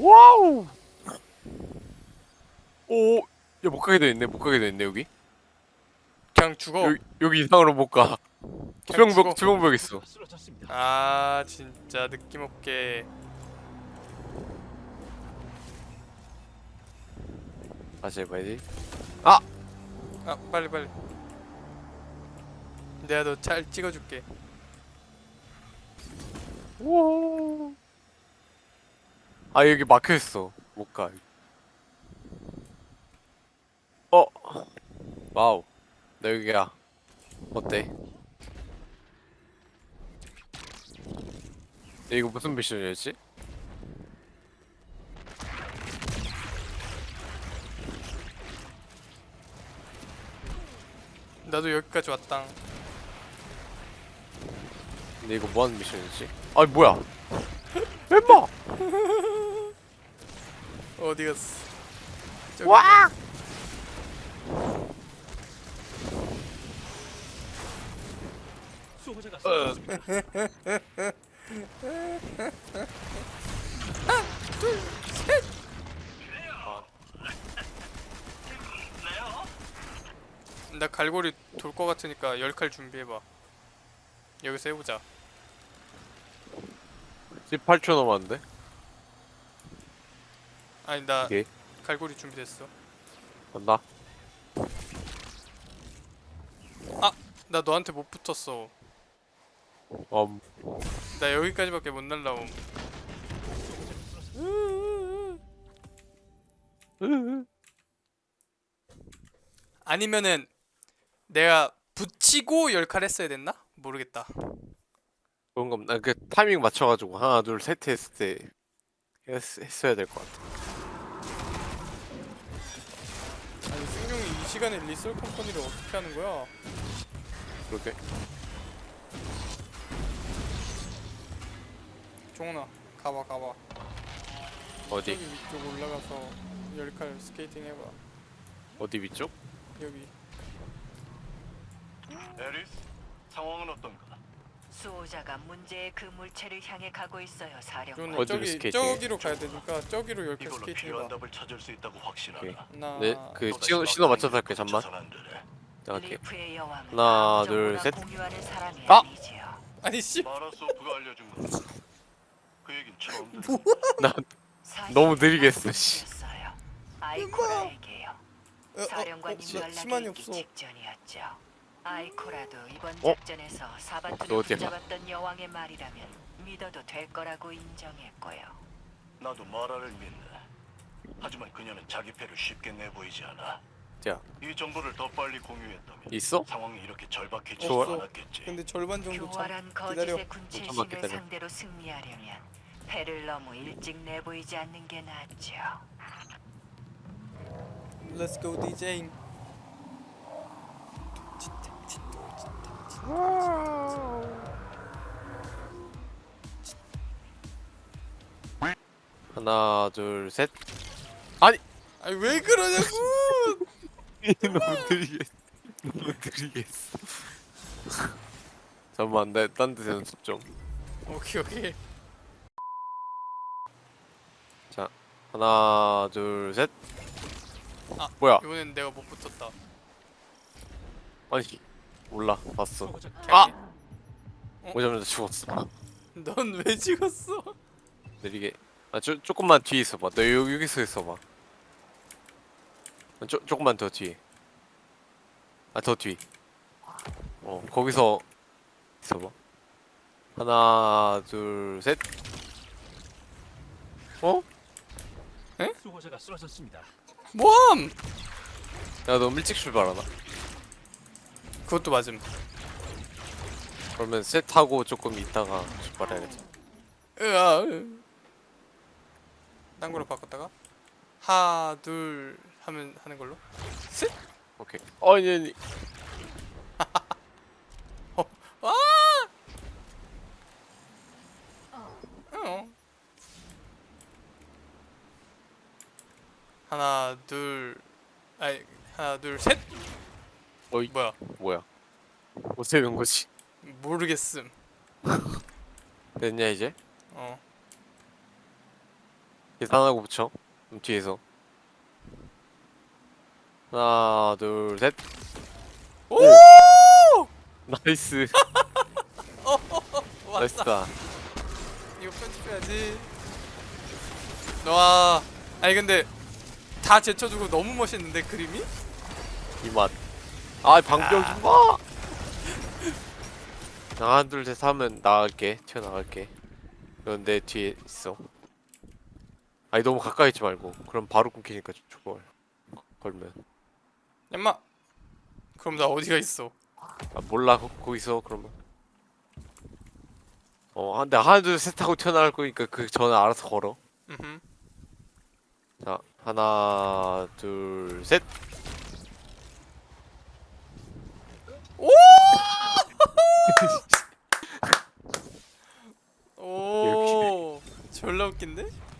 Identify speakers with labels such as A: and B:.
A: 와우. 오, 야, 못 가게 돼 있네. 못 가게 돼 있네 여기.
B: 그냥 죽어.
A: 여기 이상으로 못 가.
B: 그냥 죽어.
A: 투명벽 있어.
B: 아 진짜 느낌 없게.
A: 다시 해봐야지.
B: 아 빨리 빨리. 내가 너 잘 찍어줄게.
A: 오. 아, 여기 막혀 있어. 못 가. 어, 와우. 나 여기야. 어때? 이거 무슨 미션이었지?
B: 나도 여기까지 왔당.
A: 근데 이거 뭐 하는 미션이지? 아, 뭐야? 멤버!
B: 어디 갔어? 저기
A: 와!
C: 수호자가
A: 어.
B: 나 갈고리 돌 거 같으니까 10칼 준비해봐. 여기서 해보자.
A: 18초 남았는데?
B: 아니 나
A: 오케이.
B: 갈고리 준비됐어.
A: 간다.
B: 나 너한테 못 붙었어.
A: 음.
B: 나 여기까지밖에 못 날라옴. 아니면은 내가 붙이고 10칼 했어야 됐나? 모르겠다.
A: 그런 겁니다. 그 타이밍 맞춰가지고 하나, 둘, 셋 했을 때 했어야 될 것 같아.
B: 아니 승용이 이 시간에 리솔 컴퍼니를 어떻게 하는 거야?
A: 그렇게.
B: 종훈아 가봐.
A: 어디?
B: 저기 위쪽 올라가서 10칼 스케이팅 해봐.
A: 어디 위쪽?
B: 여기.
D: 에리스, 상황은 어떤가?
E: 수호자가 문제의 그 물체를 향해 가고 있어요, 사령관.
B: 종훈아
A: 어디로
B: 저기
A: 스케이팅?
B: 저기로 가야 되니까 저기로 10칼
D: 이걸로
B: 스케이팅
D: 필요한
B: 해봐.
D: 답을 찾을 수 있다고 확신하다.
A: 오케이.
B: 하나
A: 네, 그
D: 또다시
A: 신호 맞춰서
D: 막상이
A: 할게. 잠만.
D: 멈춰선 안 되네.
A: 나갈게.
E: 리프의 여왕은
A: 하나,
E: 아무
A: 둘,
E: 정보나
A: 셋.
E: 공유하는 사람이
A: 아!
E: 아니지요.
B: 아니 씨
D: 마라소프가 알려준 거. 그 얘긴 처음 듣
A: 나 너무 느리게 했어, 씨.
E: 었어요 아이코라에게요. 사령관님
B: 희망이
E: 연락이 있기
B: 없어.
E: 직전이었죠. 아이코라도 이번
A: 어?
E: 작전에서
A: 너
E: 사바투를
A: 어디야?
E: 붙잡았던 여왕의 말이라면 믿어도 될 거라고 인정했고요.
D: 나도 마라를 믿네. 하지만 그녀는 자기 패를 쉽게 내보이지 않아.
A: 자,
D: 이 정보를 더 빨리 공유했다면
A: 있어?
D: 상황이 이렇게 절박해지지
B: 좋아.
D: 않았겠지.
B: 근데 절반 정도
E: 교활한
B: 기다려.
E: 거짓의
A: 잠깐만
E: 군체심을
A: 기다려.
E: 상대로 승리하려면 패를 너무 일찍 내보이지 않는 게 낫죠.
B: Let's go DJ.
A: 하나, 둘, 셋. 아니!
B: 아니 왜 그러냐고.
A: 너무 느리게 했어. 너무 느리게 했어. 잠깐만, 딴 데서 연습 좀.
B: 오케이.
A: 자, 하나, 둘, 셋.
B: 아.
A: 뭐야?
B: 이번엔 내가 못 붙었다.
A: 아니, 몰라. 봤어.
C: 수호자
A: 아!
B: 어?
A: 오자마자 죽었어.
B: 넌 왜 찍었어?
A: 느리게. 아, 조금만 뒤에 있어봐. 너 여기서 있어봐. 조금만 더 뒤에. 아, 더 뒤. 거기서 있어봐. 하나, 둘, 셋. 어?
C: 수호자가 쓰러졌습니다.
B: 뭐함?
A: 야, 너무 일찍 출발하나?
B: 그것도 맞음.
A: 그러면 셋하고 조금 있다가 출발해야겠다.
B: 으아. 딴 거로 바꿨다가 하나 둘 하면 하는 걸로. 셋.
A: 오케이. 아니.
B: 아! 어. 하나 둘. 아니 하나 둘 셋.
A: 어이.
B: 뭐야?
A: 어떻게 된 거지?
B: 모르겠음.
A: 됐냐, 이제?
B: 어.
A: 계산하고 붙여. 뒤에서. 하나, 둘, 셋.
B: 오!
A: 나이스.
B: 왔다.
A: 나이스다.
B: 이거 편집해야지. 와, 아니 근데 다 제쳐두고 너무 멋있는데 그림이?
A: 이 맛. 아, 방벽 좀 봐. 하나, 둘, 셋 하면 나갈게. 튀어나갈게. 넌 내 뒤에 있어. 아니, 너무 가까이 있지 말고. 그럼 바로 끊기니까 초월. 걸면.
B: 얌마. 그럼 나 어디가 있어?
A: 아, 몰라. 거기서 그러면. 근데 하나, 둘, 셋 하고 튀어나갈 거니까 그 전에 알아서 걸어.
B: 음.
A: 자, 하나, 둘, 셋.
B: 오! 오! 졸라 웃긴데?